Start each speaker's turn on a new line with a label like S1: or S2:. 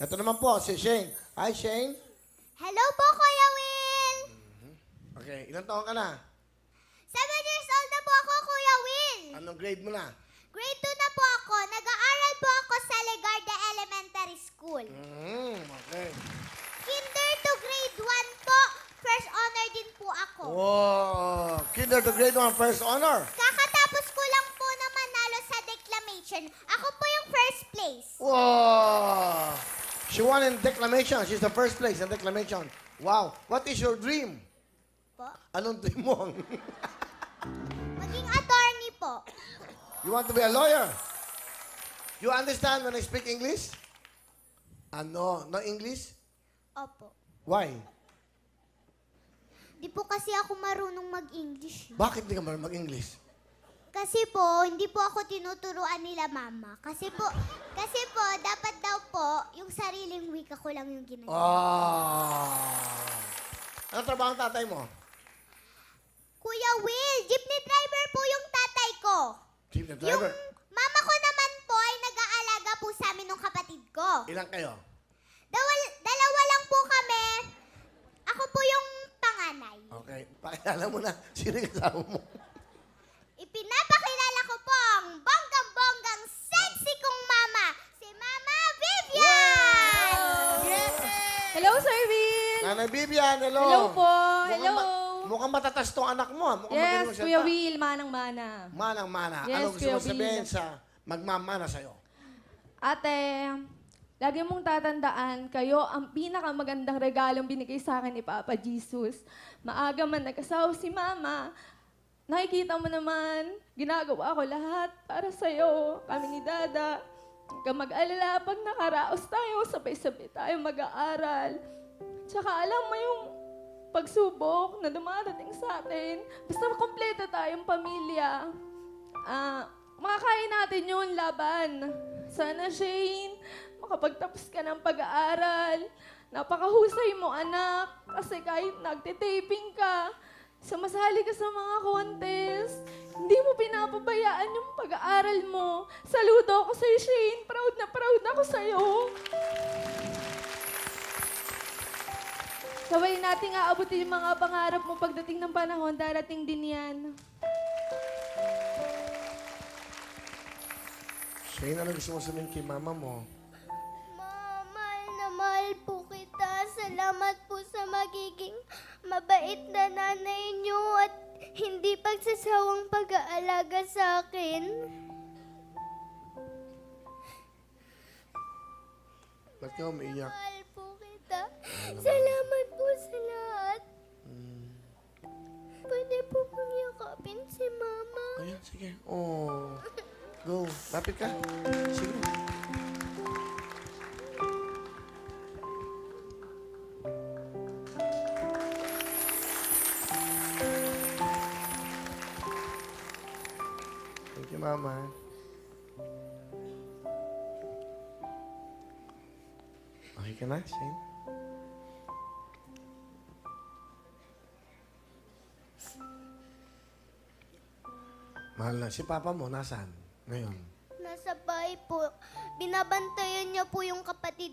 S1: Ito naman po, si Shane. Hi, Shane.
S2: Hello po, Kuya Will!
S1: Okay, ilang taon ka na?
S2: 7 years old na po ako, Kuya Will!
S1: Anong grade mo na?
S2: Grade 2 na po ako. Nag-aaral po ako sa Legarda Elementary School.
S1: Okay.
S2: Kinder to grade 1 po. First honor din po ako.
S1: Wow! Kinder to grade 1, first honor.
S2: Kakatapos ko lang po na manalo sa declamation. Ako po yung first place.
S1: Wow! She won in declamation. She's the first place in declamation. Wow! What is your dream?
S2: Po.
S1: Anong dream mo?
S2: Maging attorney po.
S1: You want to be a lawyer? You understand when I speak English? No English?
S2: Opo.
S1: Why?
S2: Di po kasi ako marunong mag-English.
S1: Bakit di ka marunong mag-English?
S2: Kasi po, hindi po ako tinuturuan nila mama. Kasi po, dapat daw po, yung sariling wika ko lang yung ginagawa.
S1: Ano trabaho ang tatay mo?
S2: Kuya Will, jeepney driver po yung tatay ko.
S1: Jeepney
S2: Yung
S1: driver.
S2: mama ko naman po ay nag-aalaga po sa amin ng kapatid ko.
S1: Ilang kayo?
S2: Dalawa lang po kami. Ako po yung panganay.
S1: Okay. Pakilala mo na. Sino yung kasama mo?
S2: Ipinapakilala ko po ang bonggang-bonggang sexy kong mama, si Mama Vivian!
S3: Hello, Sir Will!
S1: Nanay Bibian, hello.
S3: Hello po.
S1: Mukhang
S3: Hello.
S1: mukhang matatas tong anak mo. Mukhang magaling
S3: Yes,
S1: magsalita.
S3: Kuya Will, manang-mana.
S1: Manang-mana.
S3: Yes,
S1: Ano gusto
S3: Kuya
S1: mo sabihin
S3: Will.
S1: sa magmamana sa'yo?
S3: Ate, lagi mong tatandaan, kayo ang pinakamagandang regalong binigay sa akin ni Papa Jesus. Maaga man nagkasawa si Mama, nakikita mo naman, ginagawa ko lahat para sa'yo, kami ni Dada. Huwag kang mag-alala, pag nakaraos tayo, sabay-sabay tayo mag-aaral. Tsaka alam mo yung pagsubok na dumarating sa atin, basta kompleto tayong pamilya. Makakain natin yun, laban. Sana, Shane, makapagtapos ka ng pag-aaral. Napakahusay mo, anak. Kasi kahit nagtitaping ka, sumasali ka sa mga contest, hindi mo pinapabayaan yung pag-aaral mo. Saludo ako sa'yo, Shane. Proud na proud ako sa'yo. Sabay nating aabutin yung mga pangarap mo pagdating ng panahon, darating din yan.
S1: Shane, ano gusto mo sabihin kay mama mo?
S2: Mahal na mahal po kita. Salamat po sa magiging mabait na nanay niyo at hindi pagsasawang pag-aalaga sa akin.
S1: Ba't ka umiiyak?
S2: Mahal po kita. Salamat po sa lahat. Pwede po pong yakapin si Mama.
S1: Ayan, sige. Oh. Go. Lapit ka. Sige. Thank you, Mama. Okay ka na, Shane? Mahal na. Si Papa mo, nasaan? Ngayon.
S2: Nasa bahay po. Binabantayan niya po yung kapatid